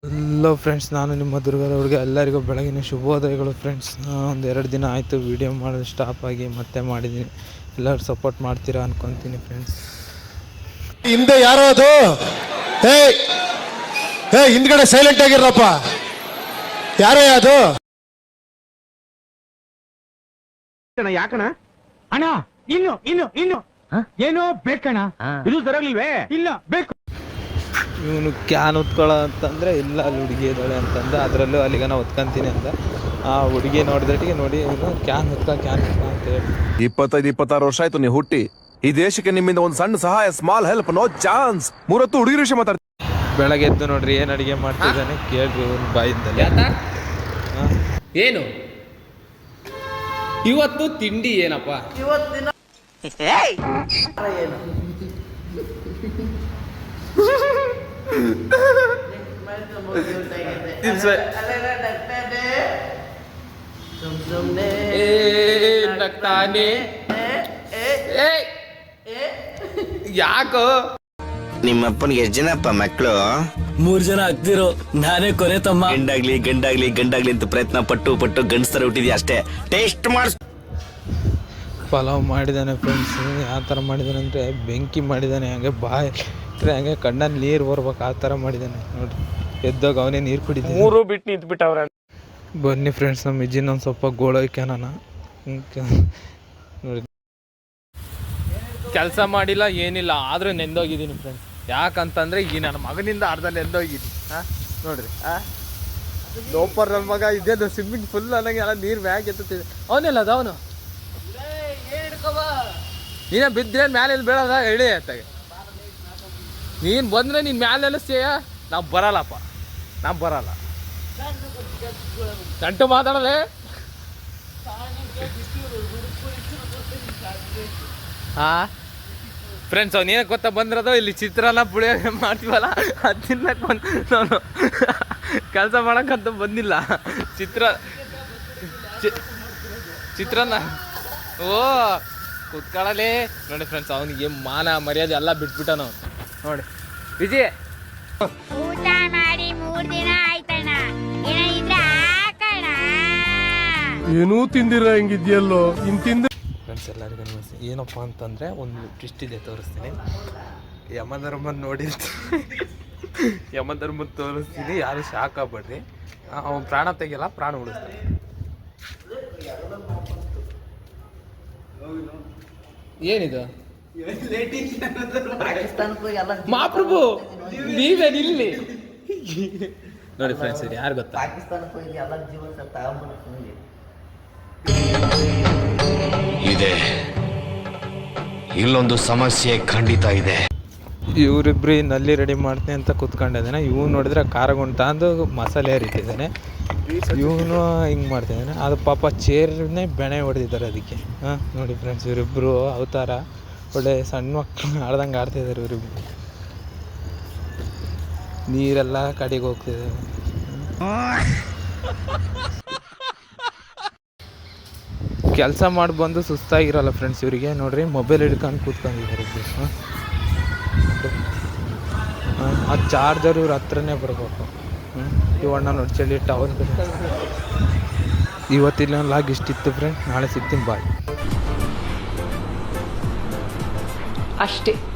Hello friends, ನಾನು ನಿಮ್ಮ ದುರ್ಗದವ್ರಿಗೆ ಎಲ್ಲರಿಗೂ ಬೆಳಗಿನ ಶುಭೋದಯಗಳು ಫ್ರೆಂಡ್ಸ್. ಒಂದು 2 ದಿನ ಆಯಿತು ವೀಡಿಯೋ ಮಾಡೋದು ಸ್ಟಾಪ್ ಆಗಿ, ಮತ್ತೆ ಮಾಡಿದ್ದೀನಿ. ಎಲ್ಲರೂ ಸಪೋರ್ಟ್ ಮಾಡ್ತೀರಾ ಅನ್ಕೊತೀನಿ ಫ್ರೆಂಡ್ಸ್. ಹಿಂದೆ ಯಾರೋ ಅದು ಹಿಂದ್ಗಡೆ ಸೈಲೆಂಟ್ ಆಗಿರಪ್ಪ. ಯಾರೇ ಅದು? ಯಾಕಣ ಅಣ್ಣ? ಇನ್ನು ಏನೋ ಬೇಕಣ್ಣ. ಇದು ಸರಿಯಾಗಿಲ್ವೇ? ಇಲ್ಲ ಬೇಕು. ಇವನು ಕ್ಯಾನ್ ಹೊತ್ಕೊಳ್ಳೋ ಅಂತಂದರೆ ಇಲ್ಲ, ಅಲ್ಲಿ ಹುಡುಗಿ ಇದ್ದಾಳೆ ಅಂತಂದ. ಅದರಲ್ಲೂ ಅಲ್ಲಿಗೆ ನಾವು ಹೊತ್ಕೊಂತೀನಿ ಅಂದ. ಆ ಹುಡುಗಿ ನೋಡಿದಟ್ಟಿಗೆ ನೋಡಿ ಇವನು ಕ್ಯಾನ್ ಹೊತ್ಕ ಅಂತ ಹೇಳಿ. 25-26 ವರ್ಷ ಆಯ್ತು ನೀವು ಹುಟ್ಟಿ. ಈ ದೇಶಕ್ಕೆ ನಿಮ್ಮಿಂದ ಒಂದು ಸಣ್ಣ ಸಹಾಯ, ಸ್ಮಾಲ್ ಹೆಲ್ಪ್, ನೋ ಚಾನ್ಸ್. 30 ಹುಡುಗಿರ ವಿಷಯ ಮಾತಾಡ್ತೀನಿ. ಬೆಳಗ್ಗೆ ಎದ್ದು ನೋಡ್ರಿ ಏನು ಅಡುಗೆ ಮಾಡ್ತಿದ್ದಾನೆ ಕೇಳ್ರಿ ಇವನು ಬಾಯಿಂದಲೇ. ಏನು ಇವತ್ತು ತಿಂಡಿ ಏನಪ್ಪ? ಇವತ್ತಿನ ಯಾಕೋ ನಿಮ್ಮಪ್ಪನಿಗೆ ಎಷ್ಟು ಜನಪ್ಪ ಮಕ್ಕಳು? 3 ಜನ ಆಗ್ತಿರೋ, ನಾನೇ ಕೊನೆ ತಮ್ಮ. ಗಂಡಾಗ್ಲಿ ಅಂತ ಪ್ರಯತ್ನ ಪಟ್ಟು ಗಂಡಸ್ತರ ಹುಟ್ಟಿದ್ಯಾ ಅಷ್ಟೇ. ಟೇಸ್ಟ್ ಮಾಡಿಸ್. ಪಲಾವ್ ಮಾಡಿದ್ದಾನೆ ಫ್ರೆಂಡ್ಸ್. ಯಾವ ಥರ ಮಾಡಿದ್ದಾನೆ ಅಂದರೆ ಬೆಂಕಿ ಮಾಡಿದ್ದಾನೆ. ಹಂಗೆ ಬಾಯಿ ಹಂಗೆ ಕಣ್ಣಲ್ಲಿ ನೀರು ಬರ್ಬೇಕು ಆ ಥರ ಮಾಡಿದ್ದಾನೆ ನೋಡ್ರಿ. ಎದ್ದಾಗ ಅವನೇ ನೀರು ಕುಡಿದ 3 ಬಿಟ್ಟು ನಿಂತ್ಬಿಟ್ಟವ್ರ. ಬನ್ನಿ ಫ್ರೆಂಡ್ಸ್, ನಮ್ಮ ಇಜ್ಜಿನ ಒಂದು ಸ್ವಲ್ಪ ಗೋಳೋಯ್ಕೆ ನಾನು ನೋಡಿ. ಕೆಲಸ ಮಾಡಿಲ್ಲ ಏನಿಲ್ಲ, ಆದರೂ ನೆಂದೋಗಿದ್ದೀನಿ ಫ್ರೆಂಡ್ಸ್. ಯಾಕಂತಂದರೆ ಈ ನನ್ನ ಮಗನಿಂದ ಅರ್ಧ ನೆಂದೋಗಿದ್ದೀನಿ. ನೋಡ್ರಿ, ಲೋಪರ್ ನನ್ನ ಮಗ ಇದೇನು ಸ್ವಿಮ್ಮಿಂಗ್ ಫುಲ್ ಅನ್ನಂಗೆ ಎಲ್ಲ ನೀರು ಮ್ಯಾಗ ಎತ್ತುತ್ತಿದೆ. ಅವನಿಲ್ಲ ಅದು, ಅವನು ನೀನೇ ಬಿದ್ದರೆ ಮೇಲೆ ಎಲ್ಲಿ ಬೀಳೋದ ಹೇಳಿ ಆಯ್ತಾಗೆ. ನೀನು ಬಂದರೆ ನೀನು ಮ್ಯಾಲೆ ಎಲ್ಲಿಸ್ತೀಯ? ನಾವು ಬರಲ್ಲಪ್ಪ, ನಾವು ಬರಲ್ಲ. ಗಂಟು ಮಾತಾಡಲೇ. ಫ್ರೆಂಡ್ಸ್, ಅವ್ನು ಏನಕ್ಕೆ ಗೊತ್ತಾ ಬಂದಿರೋದು? ಇಲ್ಲಿ ಚಿತ್ರಾನ್ನ ಪುಳಿಯೋಗರೆ ಮಾಡ್ತೀವಲ್ಲ, ಅದು ತಿನ್ನಕ್ಕೆ ಬಂದು ನಾನು ಕೆಲಸ ಮಾಡೋಕ್ಕಂತ ಬಂದಿಲ್ಲ. ಚಿತ್ರಾನ್ನ ಓ ಕುತ್ಕೊಳ್ಳಲೇ ನೋಡಿ ಫ್ರೆಂಡ್ಸ್. ಅವನಿಗೆ ಮಾನ ಮರ್ಯಾದೆ ಎಲ್ಲ ಬಿಟ್ಬಿಟ್ಟ ನಾವು. ನೋಡಿ ವಿಜಯ್, ಊಟ ಮಾಡಿ 3 ದಿನ ಆಯ್ತಣ್ಣ. ಏನೂ ತಿಂದಿರ ಹೆಂಗಿದ್ಯಲ್ಲೋ ತಿಂದ. ಫ್ರೆಂಡ್ಸ್, ಎಲ್ಲರಿಗೂ ನಮಸ್ತೆ. ಏನಪ್ಪ ಅಂತಂದರೆ ಒಂದು ಟ್ವಿಸ್ಟ್ ಇದೆ, ತೋರಿಸ್ತೀನಿ. ಯಮಧರ್ಮನ ನೋಡಿರ್ತೀನಿ, ಯಮಧರ್ಮದ ತೋರಿಸ್ತೀನಿ. ಯಾರು ಶಾಕ್ ಆಗ್ಬೇಡ್ರಿ. ಅವ್ನು ಪ್ರಾಣ ತೆಗಿಯಲ್ಲ, ಪ್ರಾಣ ಉಳಿಸ್ತಾನೆ. ಏನಿದು ಮಹಾಪ್ರಭು ನೀವೇ ಇಲ್ಲಿ ನೋಡಿ ಫ್ರೆಂಡ್ಸ್. ಇದು ಯಾರು ಗೊತ್ತಾ? ಪಾಕಿಸ್ತಾನಕ್ಕೆ ಹೋಗಿ ಎಲ್ಲ ಜೀವನ ತಗೊಂಡ್ಬರ್ತೀನಿ. ಇದೆ, ಇಲ್ಲೊಂದು ಸಮಸ್ಯೆ ಖಂಡಿತ ಇದೆ. ಇವರಿಬ್ರು ನಲ್ಲಿ ರೆಡಿ ಮಾಡ್ತೀನಿ ಅಂತ ಕೂತ್ಕೊಂಡಿದ್ದಾನೆ. ಇವ್ನು ನೋಡಿದ್ರೆ ಖಾರಗುಂಟ ಅಂದು ಮಸಾಲೆ ಹರಿತಿದ್ದಾನೆ. ಇವನು ಹಿಂಗೆ ಮಾಡ್ತಿದ್ದಾನೆ. ಅದು ಪಾಪ ಚೇರ್ನೇ ಬೆಣೆ ಹೊಡೆದಿದ್ದಾರೆ ಅದಕ್ಕೆ. ನೋಡಿ ಫ್ರೆಂಡ್ಸ್, ಇವರಿಬ್ಬರು ಅವತಾರ ಒಳ್ಳೆ ಸಣ್ಣ ಮಕ್ಕಳು ಆಡ್ದಂಗೆ ಆಡ್ತಿದ್ದಾರೆ. ಇವರಿಬ್ರು ನೀರೆಲ್ಲ ಕಡೆಗೆ ಹೋಗ್ತಿದೆ. ಕೆಲಸ ಮಾಡಿ ಬಂದು ಸುಸ್ತಾಗಿರಲ್ಲ ಫ್ರೆಂಡ್ಸ್ ಇವರಿಗೆ. ನೋಡ್ರಿ, ಮೊಬೈಲ್ ಹಿಡ್ಕೊಂಡು ಕೂತ್ಕೊಂಡಿದ್ದಾರೆ ಇಬ್ಬರು. ಆ ಚಾರ್ಜರ್ ಇವ್ರ ಹತ್ರನೇ ಬರಬೇಕು. ಇವಣ್ಣ ನೋಡಿ ಚಳಿ ಟವರ್. ಇವತ್ತಿಲ್ಲ ಲಾಗ್ ಇಷ್ಟಿತ್ತು ಫ್ರೆಂಡ್. ನಾಳೆ ಸಿಗ್ತೀನಿ, ಬಾಯ್. ಅಷ್ಟೇ.